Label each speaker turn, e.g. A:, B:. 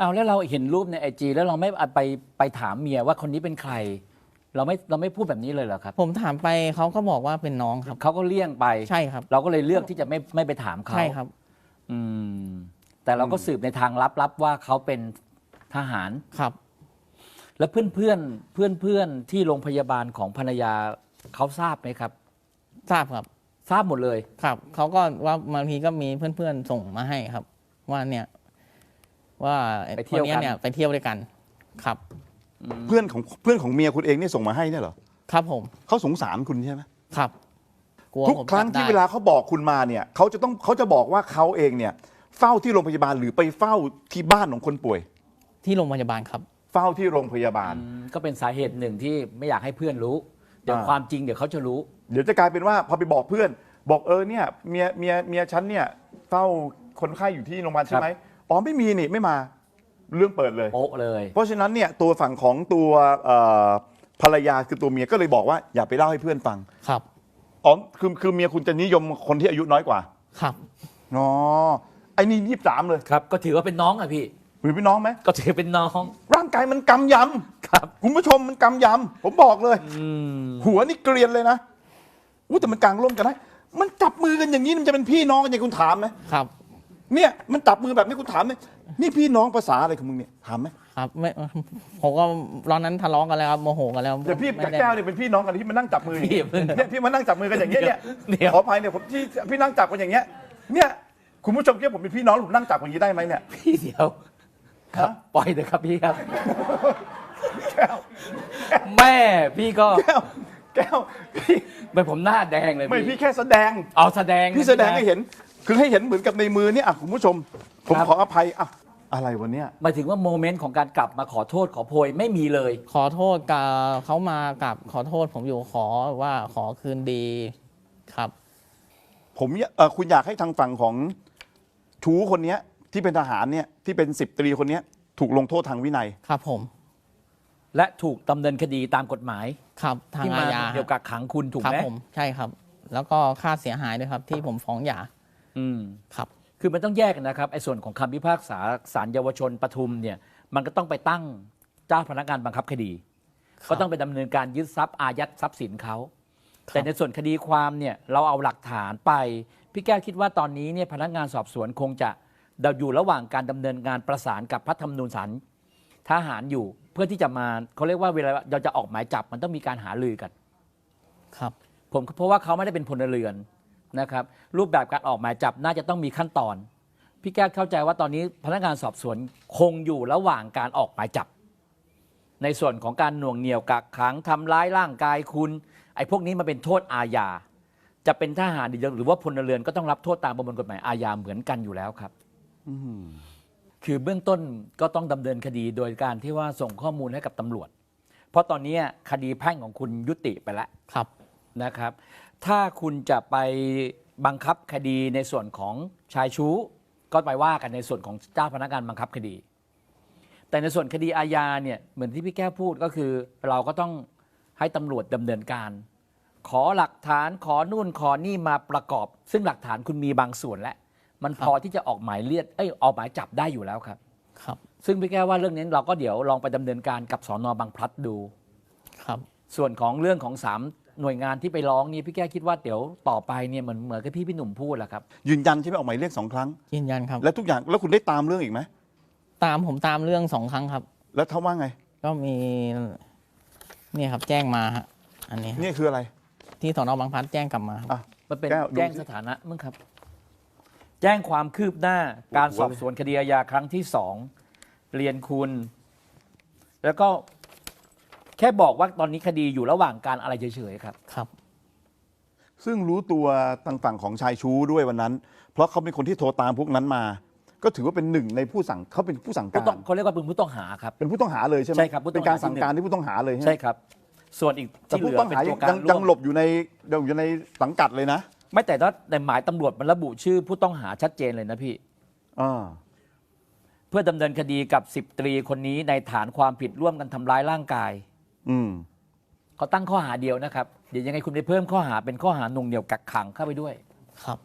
A: เอาแล้วเราเห็นรูปในIGแล้วเราไม่ไปถามเมียว่าคนนี้เป็นใครเราไม่พูดแบบนี้เลยเหรอครับ
B: ผมถามไปเขาก็บอกว่าเป็นน้องครับ
A: เขาก็เลี่ยงไป
B: ใช่ครับ
A: เราก็เลยเลือกที่จะไม่ไปถามเขา
B: ใช่ครับ
A: อืมแต่เราก็สืบในทางลับว่าเขาเป็นทหาร
B: ครับ
A: แล้วเพื่อนที่โรงพยาบาลของภรรยาเขาทราบไหมครับ
B: ทราบครับ
A: ทราบหมดเลย
B: ครับเขาก็ว่าบางทีก็มีเพื่อนๆส่งมาให้ครับ ว่าเนี่ยว่า
A: ไปเที่ยวกัน
B: คนนี้เนี่ยไปเที่ยวด้วยกันครับ
C: เพื่อนของเมียคุณเองเนี่ยส่งมาให้เนี่ยเหรอ
B: ครับผม
C: เขาสงสารคุณใช่ไหม
B: ครับกลัว
C: ทุก
B: ผม
C: ครั้ง
B: จับ
C: ที่
B: ได้
C: เวลาเขาบอกคุณมาเนี่ยเขาจะบอกว่าเขาเองเนี่ยเฝ้าที่โรงพยาบาลหรือไปเฝ้าที่บ้านของคนป่วย
B: ที่โรงพยาบาลครับ
C: เฝ้าที่โรงพยาบาล
A: ก็เป็นสาเหตุหนึ่งที่ไม่อยากให้เพื่อนรู้ เดี๋ยวความจริงเดี๋ยวเขาจะรู้
C: เดี๋ยวจะกลายเป็นว่าพอไปบอกเพื่อน บอกเนี่ยเมียฉันเนี่ยเฝ้าคนไข้อยู่ที่โรงพยาบาลใช่ไหมอ๋อไม่มีนี่ไม่มาเรื่องเปิดเลย
A: โป๊ะเลย
C: เพราะฉะนั้นเนี่ยตัวฝั่งของตัวภรรยาคือตัวเมียก็เลยบอกว่าอย่าไปเล่าให้เพื่อนฟัง
B: ครับ
C: อ๋อคือเมียคุณจะนิยมคนที่อายุน้อยกว่า
B: ครับ
C: อ๋อไอ้นี่23เลย
A: ครับ ก็ถือว่าเป็นน้องอะพี่
C: หรือพี่น้องไหม
A: ก็ถือเป็นน้อง
C: ร่างกายมันกำย
A: ครับ
C: ำคุณผู้ชมมันกำยำผมบอกเลย หัวนี่เกรียนเลยนะอู้แต่มันกลางร่มกันได้มันจับมือกันอย่างนี้มันจะเป็นพี่น้องกันอย่างคุณถามไหม
B: ครับ
C: เนี่ยมันจับมือแบบนี้คุณถามไหมนี่พี่น้องภาษาอะไรของมึงเนี่ยถามไหม
B: ครับไม่ผมก็ตอนนั้นทะเลาะกันแล้วครับโมโหกันแล้ว
C: เดี๋ยวพี่กับ
B: ไม่ได้
C: แก้วเนี่ยเป็นพี่น้องกันที่มานั่งจับมืออย่าง
A: พี่
C: นี้
A: อย่าเพิ่ง
C: เนี่ยพี่มานั่งจับมือกันอย่างเงี้ยเนี่ย
A: เดี๋ยว
C: ขออภัยเนี่ยผมที่พี่นั่งจับกันอย่างเงี้ยเนี่ยคุณผู้ชมคิดว่าผมเป็นพี่น้องผมนั่งจับกันอย่างนี้ได้ไหมเนี่ย
A: พี่เดี๋ยวครับ
C: ฮะ
A: ปล่อยเถอะครับพี่ครับ
C: แก้ว
A: แม่พี่ก็
C: แก้วพี่
A: เป็นผมหน้าแดงเลย
C: ไม่พี่แค่แสดง
A: เอาแสดง
C: พี่แสดงให้เห็น คือให้เห็นเหมือนกับในมือเนี่ยอ่ะคุณผู้ชม ผม
A: ครับ
C: ขออภัยอ่ะอะไรวันเนี้ย
A: หมายถึงว่าโมเมนต์ของการกลับมาขอโทษขอโพยไม่มีเลย
B: ขอโทษกับเขามากับขอโทษผมอยู่ขอว่าขอคืนดีครับ
C: ผมคุณอยากให้ทางฝั่งของชูคนเนี้ยที่เป็นทหารเนี่ยที่เป็น10 ตรีคนเนี้ยถูกลงโทษทางวินัย
B: ครับผม
A: และถูกดำเนินคดีตามกฎหมาย
B: ครับทาง
A: ที่
B: อา
A: มา
B: ญา
A: เกี่ยวกับขังคุณถูก
B: ครับ
A: ไหม
B: ผมใช่ครับ แล้วก็ค่าเสียหายด้วยครับ ที่ผมฟ้องหย่า
A: อืม
B: ครับ
A: คือมันต้องแยกกันนะครับไอ้ส่วนของคำพิพากษาศาลเยาวชนปทุมเนี่ยมันก็ต้องไปตั้งเจ้าพนักงานบังคับคดี
B: ครับ
A: ก็ต้องไปดำเนินการยึดทรัพย์อายัดทรัพย์สินเขา
B: ครับ
A: แต่ในส่วนคดีความเนี่ยเราเอาหลักฐานไปพี่แก้วคิดว่าตอนนี้เนี่ยพนักงานสอบสวนคงจะอยู่ระหว่างการดำเนินงานประสานกับพระธรรมนูญศาลทหารอยู่ เพื่อที่จะมาเขาเรียกว่าเวลาเราจะออกหมายจับมันต้องมีการหารือกัน
B: ครับ
A: ผมเพราะว่าเขาไม่ได้เป็นพลเรือนนะครับรูปแบบการออกหมายจับน่าจะต้องมีขั้นตอน พี่แก้วเข้าใจว่าตอนนี้พนักงานสอบสวนคงอยู่ระหว่างการออกหมายจับ ในส่วนของการหน่วงเหนี่ยวกักขังทำร้ายร่างกายคุณไอ้พวกนี้มันเป็นโทษอาญาจะเป็นทหารหรือว่าพลเรือนก็ต้องรับโทษตามประมวลกฎหมายอาญาเหมือนกันอยู่แล้วครับคือเบื้องต้นก็ต้องดำเนินคดีโดยการที่ว่าส่งข้อมูลให้กับตำรวจ เพราะตอนนี้คดีแพ่งของคุณยุติไปแล้ว
B: ครับ
A: นะครับ ถ้าคุณจะไปบังคับคดีในส่วนของชายชู้ ก็ไปว่ากันในส่วนของเจ้าพนักงานบังคับคดี แต่ในส่วนคดีอาญาเนี่ยเหมือนที่พี่แก้วพูดก็คือ เราก็ต้องให้ตำรวจดำเนินการ ขอหลักฐานขอนู่นขอนี่มาประกอบ ซึ่งหลักฐานคุณมีบางส่วนแล้วมันพอที่จะออกหมายเรียกออกหมายจับได้อยู่แล้วครับ
B: ครับ
A: ซึ่งพี่แก้วว่าเรื่องนี้เราก็เดี๋ยวลองไปดำเนินการกับสน.บางพลัดดู
B: ครับ
A: ส่วนของเรื่องของ3หน่วยงานที่ไปร้องนี่พี่แก้วคิดว่าเดี๋ยวต่อไปเนี่ยเหมือนกับพี่หนุ่มพูดแหละครับ
C: ยืนยันใช่ไหมออกหมายเรียก2 ครั้ง
B: ยืนยันครับ
C: แล้วทุกอย่างแล้วคุณได้ตามเรื่องอีกไหม
B: ผมตามเรื่อง2 ครั้งครับ
C: แล้วเขาว่าไง
B: ก็มีเนี่ยครับแจ้งมาฮะอันนี้
C: นี่คืออะไร
B: ที่สนบางพลัดแจ้งกลับมาครับ
C: อ่ะ
A: มันเป็น
C: แก้วดู
A: แจ้ง
C: สิ
A: สถานะมึงครับ แจ้งความคืบหน้าการสอบสวนคดีอาญาครั้งที่2เรียนคุณ แล้วก็แค่บอกว่าตอนนี้คดีอยู่ระหว่างการอะไรเฉยๆครับ
B: ครับ
C: ซึ่งรู้ตัวทางฝั่งของชายชู้ด้วยวันนั้น เพราะเขาเป็นคนที่โทรตามพวกนั้นมา ก็ถือว่าเป็นหนึ่งในผู้สั่งเขาเป็นผู้สั่งการ
A: เขาเรียกว่าเป็นผู้ต้องหาครับ
C: เป็นผู้ต้องหาเลยใช่ไหม
A: ใช่ครับผู้ต้องหา
C: เป็นการสั่งการที่ผู้ต้องหาเลยใช่ไหม
A: ใช่ครับ ส่วนอีก
C: แต่
A: ที่เห
C: ผู้
A: ลือ
C: ต้อง
A: เป็น
C: หา
A: ตัวการ
C: ยัง
A: ร่วม
C: หลบอยู่ในสังกัดเลยนะ
A: ไม่แต่ว่าในหมายตำรวจมันระบุชื่อผู้ต้องหาชัดเจนเลยนะพี่
C: อ่า
A: เพื่อดำเนินคดีกับ10 ตรีคนนี้ในฐานความผิดร่วมกันทำร้ายร่างกาย
C: อืม
A: เขาตั้งข้อหาเดียวนะครับ เดี๋ยวยังไงคุณไปเพิ่มข้อหาเป็นข้อหาหน่วงเหนี่ยวกักขังเข้าไปด้วย
B: ครับ